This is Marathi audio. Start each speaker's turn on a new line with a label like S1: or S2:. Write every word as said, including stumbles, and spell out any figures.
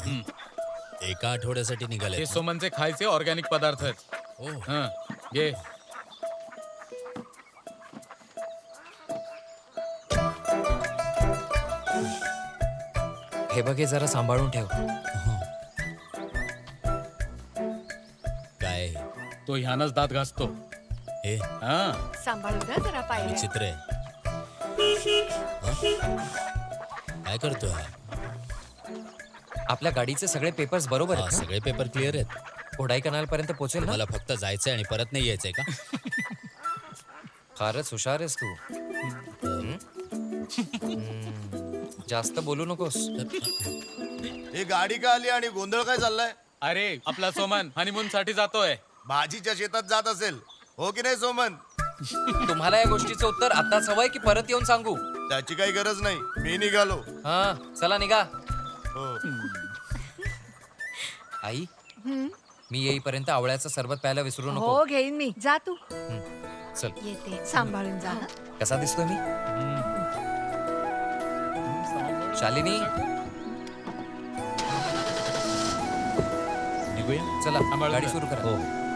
S1: एका आठवड्यासाठी निघाले
S2: हे सोमनचे खायचे ऑर्गॅनिक पदार्थ आहेत.
S1: ओ
S2: हं, घे.
S3: हे बघ, हे जरा सांभाळून ठेव.
S1: काय
S2: तो ह्यानच दात घासतो.
S1: हे
S2: हा,
S4: सांभाळून ना जरा पाहिजे.
S1: विचित्र आहे हं? काय करतोय हा?
S3: आपल्या गाडीचे सगळे पेपर्स बरोबर
S1: हा,
S3: आहेत ना?
S1: सगळे पेपर क्लिअर आहेत.
S3: कोडाई कनाल पर्यंत पोहोचेल ना?
S1: मला फक्त जायचंय आणि परत नाही यायचंय का?
S3: फारच हुशार आहेस तू. हं? हं. जास्त बोलू नकोस.
S5: ही गाडी का आली आणि गोंधळ काय चाललाय?
S2: अरे आपला सोमन हनीमून साठी जातोय.
S5: भाजीच्या शेतात जात असेल हो की नाही सोमन?
S3: तुम्हाला या गोष्टीचं उत्तर आताच हवंय की परत येऊन सांगू?
S5: त्याची काही गरज नाही, मी निघालो.
S3: हा, चला निघा.
S5: हो.
S3: आई, मी येईपर्यंत आवळ्याचं सरबत प्यायला विसरू नको.
S4: हो घेईन मी. जा तू.
S3: हं. चल.
S4: येते. सांभाळून जा हं.
S3: कसा दिसतोय मी? शालिनी,
S1: निघूया
S3: चला
S2: सांभाळून
S3: गाडी
S2: जा.
S3: सुरू करा.
S1: हो